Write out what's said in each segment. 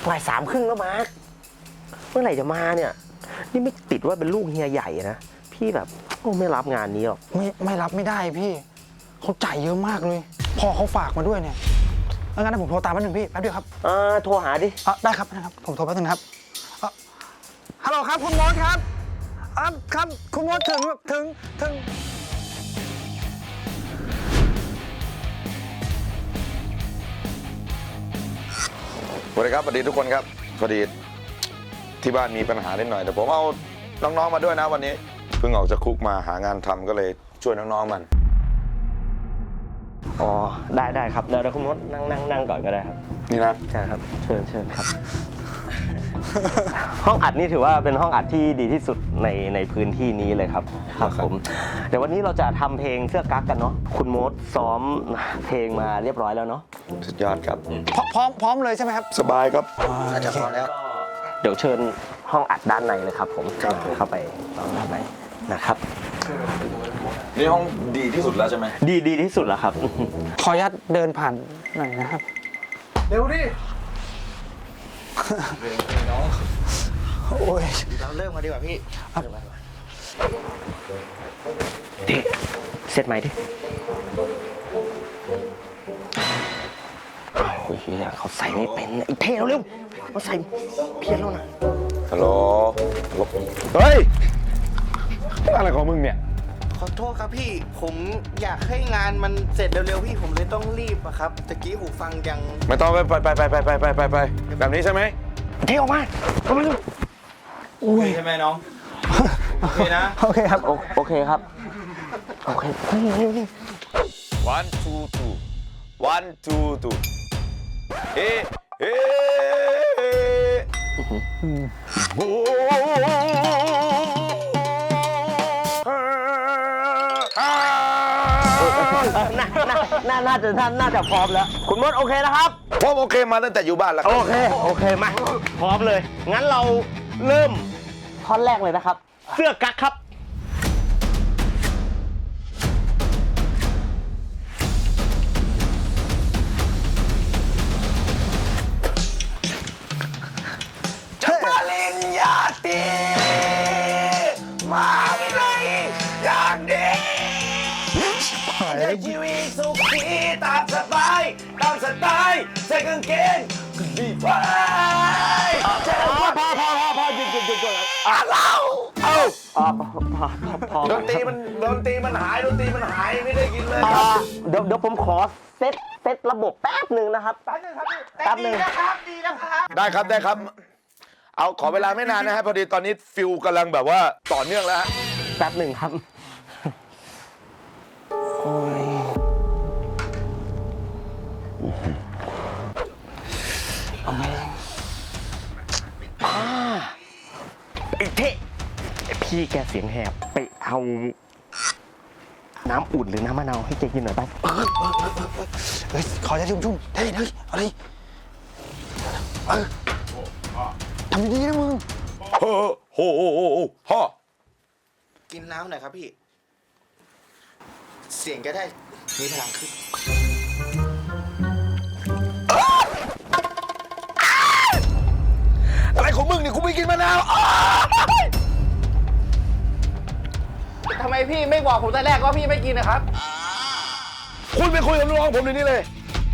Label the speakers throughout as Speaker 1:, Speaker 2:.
Speaker 1: บ่ายสามครึ่งแล้วมาร์คเมื่อไหร่จะมาเนี่ยนี่ไม่ติดว่าเป็นลูกเฮียใหญ่นะพี่แบบไม่รับงานนี้หรอก
Speaker 2: ไม่รับไม่ได้พี่เขาจ่ายเยอะมากเลยพ่อเขาฝากมาด้วยเนี่ยงั้นผมโทรตามแป๊บนึงพี่แป๊บเดียวครับ
Speaker 1: โทรหาดิ
Speaker 2: ได้ครับผมโทรแป๊บนึงครับฮัลโหลครับคุณมดครับครับคุณมดถึง
Speaker 3: สวัสดีครับสวัสดีทุกคนครับพอดีที่บ้านมีปัญหานิดหน่อยแต่ผมเอาน้องๆมาด้วยนะวันนี้เพิ่งออกจากคุกมาหางานทำก็เลยช่วยน้องๆมัน
Speaker 1: อ๋อได้ครับเดี๋ยวคุณมดนั่งก่อนก็ได้ครับ
Speaker 3: นี่นะ
Speaker 1: ใช่ครับเชิญครับ ห้องอัดนี่ถือว่าเป็นห้องอัดที่ดีที่สุดในพื้นที่นี้เลยครับครับผมเดี๋ยววันนี้เราจะทำเพลงเสื้อกั๊กกันเนาะคุณมดซ้อมเพลงมาเรียบร้อยแล้วเนาะ
Speaker 3: สุดยอดครับ
Speaker 2: พร้อมเลยใช่ไหมครับ
Speaker 3: สบายครับ
Speaker 2: อาจจะพอแล้ว
Speaker 1: เดี๋ยวเชิญห้องอัดด้านในเลยครับผมเข้าไปด้านในนะครับ
Speaker 3: นี่ห้องดีที่สุดแล้วใช่ไหม
Speaker 1: ดีที่สุดแล้วครับ
Speaker 2: ขออนุญาตเดินผ่านหน่อยนะครับเร็วดิน้องโอ้ยเราเริ่มกันดีกว่าพี่
Speaker 1: ดิเซตไหมดิโอ้ยเขาใส่ไม่เป็นไอ้เท่เร็วเขาใส่เพี้ยนแล้วนะ
Speaker 3: ฮัลโหลเฮ้ยอะไรของมึงเนี่ย
Speaker 4: ขอโทษครับพี่ผมอยากให้งานมันเสร็จเร็วๆพี่ผมเลยต้องรีบอะครับตะกี้หูฟังยัง
Speaker 3: ไม่ต้องไปแบบนี้ใช่ไหม
Speaker 1: เท่ออกมา
Speaker 4: โอเคใช่ไหมน้องโอเคนะ
Speaker 2: โอเคครับ
Speaker 1: โอเคครับโอเคนี่
Speaker 3: one twoเฮ้โอ้
Speaker 1: น่าจะพร้อมแล้วคุณมดโอเคนะครับ
Speaker 3: ผมโอเคมาตั้งแต่อยู่บ้านแล้ว
Speaker 1: โอเคมาพร้อมเลยงั้นเราเริ่มท่อนแรกเลยนะครับเสื้อกั๊กครับ
Speaker 3: ปริญญาตรีมาวิไลอย่างดีใช้ชีวิตสุขีตามสบายตามสไตล์ใส่กางเกงดีไฟพอหยุดเราดนตรีมันหายไม่ได้กินเลย
Speaker 1: เดี๋ยวผมขอเซตระบบแป๊บหนึ่งนะครับแป๊บหนึ่ง
Speaker 4: นะครับดีนะครับ
Speaker 3: ได้ครับเอาขอเวลาไม่นานนะฮะพอดีตอนนี้ฟิลกำลังแบบว่าต่อเนื่องแล้วฮะ
Speaker 1: แป๊บหนึ่งครับโอ้ยเอาไงไอ้เท่พี่แกเสียงแหบไปเอาน้ำอุ่นหรือน้ำมะนาวให้แกกินหน่อยไป
Speaker 2: ขอจะชุ่มเฮ้ยอะไรทำดีๆนะมึง
Speaker 3: พ่อ
Speaker 4: กินน้ำหน่อยครับพี่เสียงก็ได้มีพลังขึ้น
Speaker 3: อะไรของมึงเนี่ยกูไม่กินมะนาว
Speaker 4: ทำไมพี่ไม่บอกผมแต่แรกว่าพี่ไม่กินนะครับ
Speaker 3: คุณไปคุยกับน้องผมเดี๋ยวนี้เลย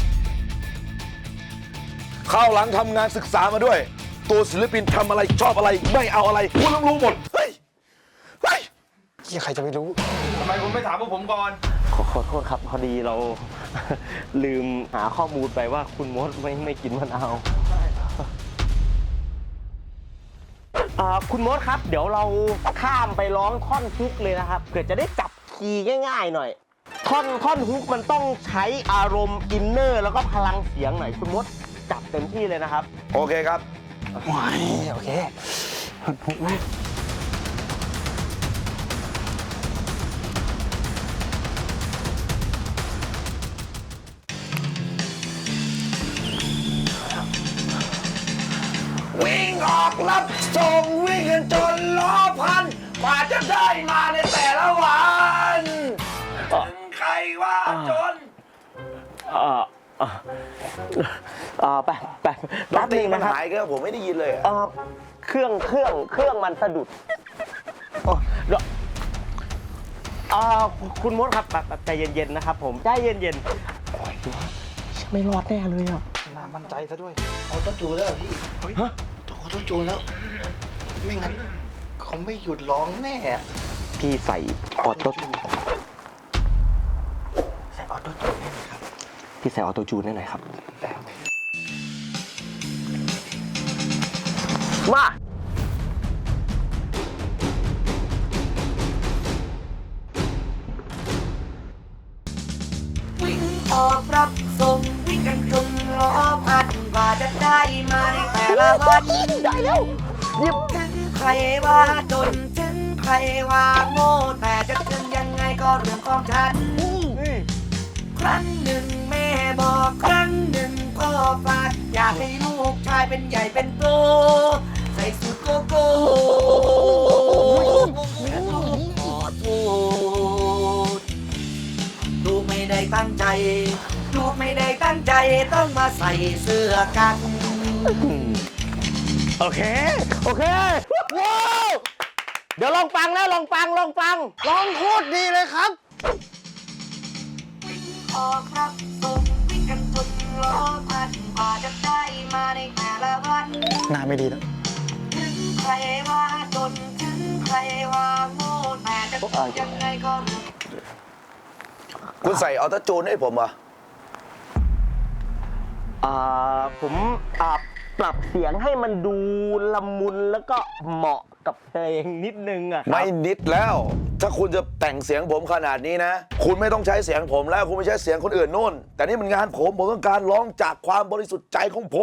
Speaker 3: ข้าวหลังทำงานศึกษามาด้วยตัวศิลปินทำอะไรชอบอะไรไม่เอาอะไรคุณต้องรู้หมดเฮ้ย
Speaker 2: ใครจะไม่รู้
Speaker 4: ทำไมคุณไม่ถามพวกผมก่อน
Speaker 1: ขอโทษครับพอดีเราลืมหาข้อมูลไปว่าคุณมดไม่กินมะนาวคุณมดครับเดี๋ยวเราข้ามไปร้องท่อนฮุกเลยนะครับเพื่อจะได้จับคีย์ง่ายๆหน่อยท่อนฮุกมันต้องใช้อารมณ์อินเนอร์แล้วก็พลังเสียงหน่อยคุณมดจับเต็มที่เลยนะครับ
Speaker 3: โอเคครับ
Speaker 2: ว้ายโอเคฮุกไหม
Speaker 3: วิ่งออกรับส่งวิ่งกันจนล้อพันกว่าจะได้มาในแต่ละวันถึงใครว่าจน
Speaker 1: ไป
Speaker 3: ด
Speaker 1: แป๊
Speaker 3: น
Speaker 1: บ
Speaker 3: ตรี
Speaker 1: นึง
Speaker 3: มัน
Speaker 1: นะครับ
Speaker 3: หายก็ผมไม่ได้ยินเลยอะ
Speaker 1: เครื่องมันสะดุดเดี๋ยวคุณมดครับแบบใจเย็นๆนะครับ ผมใจเย็นๆโอ้ยไม่รอดแน่เลยอ่ะ
Speaker 2: น่ามั่นใจซะด้วย
Speaker 4: เอาต้นจูนแล้วเหรอพี่ฮะเอาต้นจูนแล้ว ไม่งั้นเขาไม่หยุดร้องแน่อะ
Speaker 1: พี่ใส่ออโต้
Speaker 4: ใส่ออโต้จูนให้หน่อยครับ
Speaker 1: พี่ใส่ออโต้จูนได้หน่อยครับ มา
Speaker 5: วิ่งออกรับส่งวิ่งกันจนล้อพันกว่าจะได้มาในแต่ละวันได้แล้วหยิบถึงใครว่าจนถึงใครว่าโง่แต่จะถึงยังไงก็เรื่องของฉัน ครั้งหนึ่งแม่บอกครั้งหนึ่งพ่อฝากอยากให้ลูกชายเป็นใหญ่เป็นโตใส่สูทโกโก้ขอโทษลูกไม่ได้ตั้งใจ ลูกไม่ได้ตั้งใจต้องมาใส่เสื้อกัน
Speaker 1: โอเคว้าวเดี๋ยวลองฟังนะลองฟังร้องโคตรดีเลยครับ
Speaker 5: วิ่งออกรับส่งวิ่งกันจนล้อพันกว่าจะได้มาในแต่ละวัน
Speaker 2: หน้าไม่ดีแล้ว
Speaker 5: ถึงใครว่าจนถึงใครว่าโง่แต่จะยังไงก็
Speaker 3: คุณใส่ออโต้จูนให้ผมเหรอ
Speaker 1: ผมปรับเสียงให้มันดูละมุนแล้วก็เหมาะกับเพลงนิดนึงอะครับ
Speaker 3: ไม่นิดแล้ว ถ้าคุณจะแต่งเสียงผมขนาดนี้นะ คุณไม่ต้องใช้เสียงผมแล้วคุณไม่ใช้เสียงคนอื่นนู่น แต่นี่มันงานผมต้องการร้องจากความบริสุทธิ์ใจของผม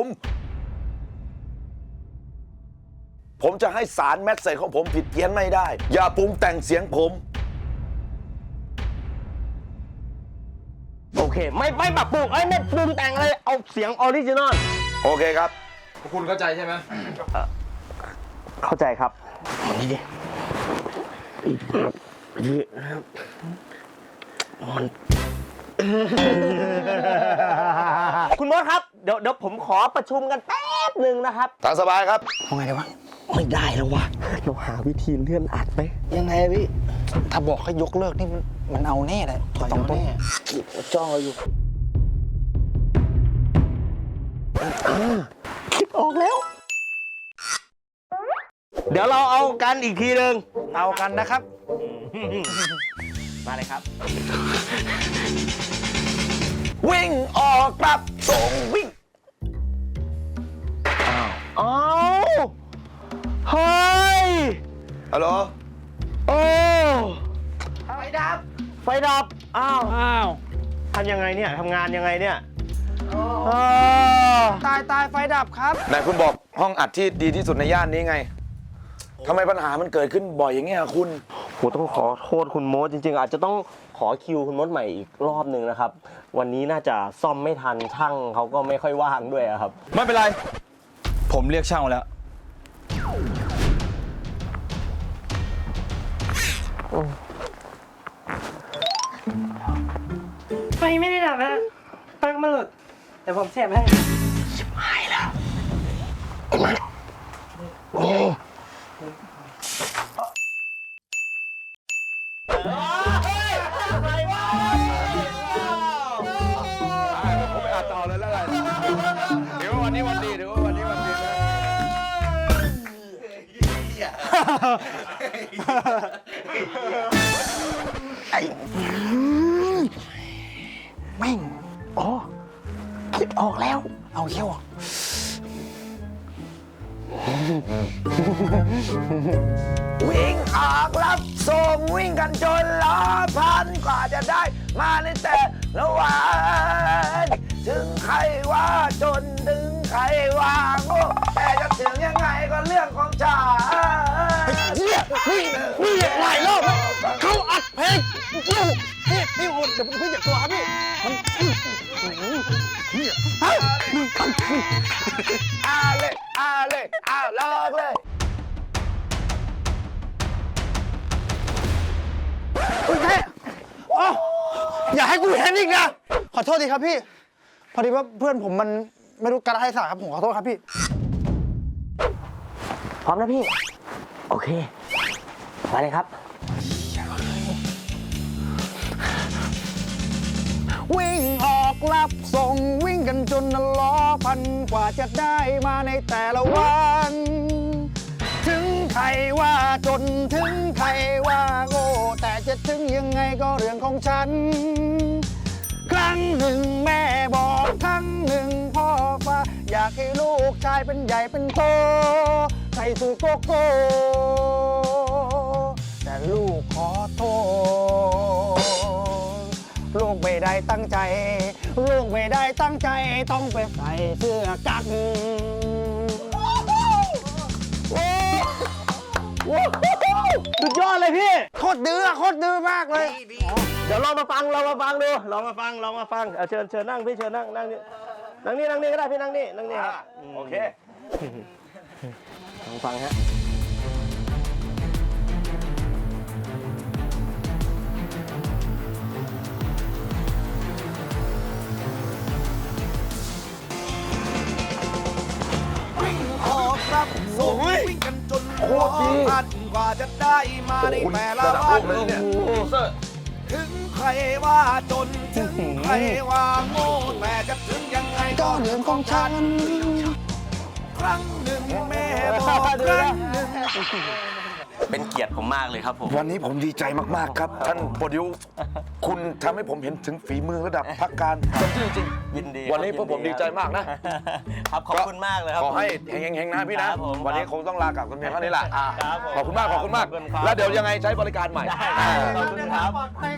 Speaker 3: ผมจะให้สารแมสเซจของผมผิดเพี้ยนไม่ได้ อย่าปรุงแต่งเสียงผม
Speaker 1: โอเค ไม่ปรับปรุงไม่ปรุงแต่งอะไรเอาเสียงออริจินอล
Speaker 3: โอเคครับ
Speaker 6: คุณเข้าใจใช่ไหม
Speaker 1: เข้าใจครับคุณมดครับเดี๋ยวผมขอประชุมกันแป๊บหนึ่งนะครับ
Speaker 3: ทางสบายครับ
Speaker 2: เอาไงดีวะ
Speaker 1: ไม่ได้แล้ววะเราหาวิธีเลื่อนอัดไหม
Speaker 4: ยังไงอะพี่
Speaker 2: ถ้าบอกให้ยกเลิกนี่มันเอาแน่เลย
Speaker 4: ถอย
Speaker 2: สองต้น
Speaker 4: แน่จ้องเราอยู่
Speaker 1: คิดออกแล้ว เดี๋ยวเราเอากันอีกทีหนึ่ง
Speaker 2: เอากันนะครับ
Speaker 1: มาเลยครับ
Speaker 3: วิ่งออกกลับส่งวิ่ง
Speaker 1: อ้าวเฮ้ย
Speaker 3: ฮัลโหล
Speaker 1: โอ้
Speaker 5: ไฟดับ
Speaker 1: ไฟดับ อ้าวทำยังไงเนี่ยทำงานยังไงเนี่ยอ้าว
Speaker 2: ตายไฟดับครับ
Speaker 3: ไหนคุณบอกห้องอัดที่ดีที่สุดในย่านนี้ไง ทำไมปัญหามันเกิดขึ้นบ่อยอย่างเงี้ยคุณ
Speaker 1: โหต้องขอโทษคุณมดจริงๆ อาจจะต้องขอคิวคุณมดใหม่อีกรอบหนึ่งนะครับ วันนี้น่าจะซ่อมไม่ทันช่างเขาก็ไม่ค่อยว่างด้วยอะครับ
Speaker 6: ไม่เป็นไร ผมเรียกช่างมาแล้ว
Speaker 5: ไฟไม่ได้ดับนะไฟมันหลุดแต่ผมเสียบให้
Speaker 3: ผมไปอัดต่อเลยแล้วกันเดี๋ยววันนี้วันดีเดี๋ยววันนี้วันดีนะ
Speaker 2: แม่ง
Speaker 1: คิดออกแล้ว
Speaker 2: เอาเขี้ยวอ่ะ
Speaker 3: วิ่งออกรับส่งวิ่งกันจนล้อพันกว่าจะได้มาในแต่ละวันถึงใครว่าจนถึงใครว่าโง่แต่จะถึงยังไงก็เรื่องของฉัน
Speaker 2: นี่หลายรอบเขาอัดเพลงพี่โหดเดี๋ยวพี่อย่ากลัวครับพี่มัน
Speaker 3: เอาลอกเลย
Speaker 2: อย่าให้กูเห็นอีกนะ ขอโทษทีครับพี่พอดีว่าเพื่อนผมมันไม่รู้กาลเทศะครับผมขอโทษครับพี่
Speaker 1: พร้อมนะพี่ โอเค มาเลยครับ
Speaker 2: วิ่งออกรับส่งวิ่งกันจนล้อพันกว่าจะได้มาในแต่ละวัน ถึงใครว่าจนถึงใครว่าโง่แต่จะถึงยังไงก็เรื่องของฉัน ครั้งหนึ่งแม่บอกครั้งหนึ่งพ่อฟ้าอยากให้ลูกชายเป็นใหญ่เป็นโตใส่สูทโกโก้แต่ลูกขอโทษลูกไม่ได้ตั้งใจ ลูกไม่ได้ตั้งใจต้องไปใส่เสื้อกั๊ก
Speaker 1: สุดยอดเลยพี่
Speaker 2: โคตรดื้อมากเลย
Speaker 1: เดี๋ยวลองมาฟังดูลองมาฟังเชิญนั่งพี่เชิญนั่งนี่นั่งนี่ก็ได้พี่นั่งนี่ครับ
Speaker 3: โอเค
Speaker 1: ลองฟังฮะ
Speaker 3: วิ่งออกรับส่งวิ่งกันจนล้อพันกว่าจะได้มาในแต่ละวันถึงใครว่าจนถึงใครว่าโง่แต่จะถึงยังไงก็เรื่องของฉัน ครั้งหนึ่งแม่บอกครั้งหนึ่ง
Speaker 1: เป็นเกียรติผมมากเลยครับผม
Speaker 7: วันนี้ผมดีใจมากๆครับ ท่านโปรดิวคุณทำให้ผมเห็นถึงฝีมือระดับพักการจริง
Speaker 1: ยินดี
Speaker 7: วันนี้พวกผมดีใจมากนะ
Speaker 1: ครับขอบคุณมากเลยครับ
Speaker 7: ขอให้เฮงๆนะพี่นะ
Speaker 1: ครับผม
Speaker 7: วันนี้คงต้องลากลับกันเพียงเท่านี้แหละ
Speaker 1: ครับผม
Speaker 7: ขอบคุณมาก
Speaker 1: ขอบคุณครับ
Speaker 7: แล้วเดี๋ยวยังไงใช้บริการใหม่
Speaker 1: ขอบคุณครับ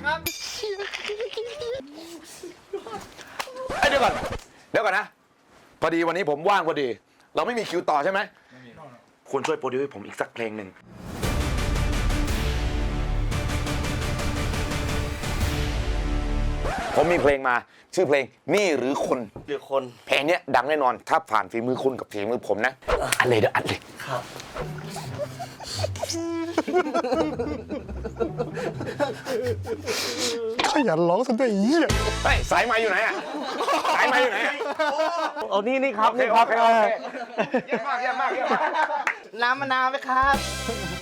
Speaker 7: เอ้ยเดี๋ยวก่อนนะ พอดีวันนี้ผมว่างพอดี เราไม่มีคิวต่อใช่ไหมคุณช่วยโปรดิวให้ผมอีกสักเพลงหนึ่ง ผมมีเพลงมาชื่อเพลงนี่หรือคน
Speaker 1: หรือคน
Speaker 7: เพลงเนี้ยดังแน่นอนถ้าผ่านฝีมือคุณกับฝีมือผมนะอัดเลยเดี๋ยวอัดเลย
Speaker 1: ครับ
Speaker 2: ขยันร้องซะด้วยไอ้เหี้ย
Speaker 7: เฮ้ยสายไม้อยู่ไหนอ่ะสายไม้อยู่ไหนอะ
Speaker 1: เอานี่ครับ
Speaker 7: โอเค
Speaker 1: นี่ครับ
Speaker 7: เยี่ยมมาก
Speaker 4: น้ำมะนาวไหมครับ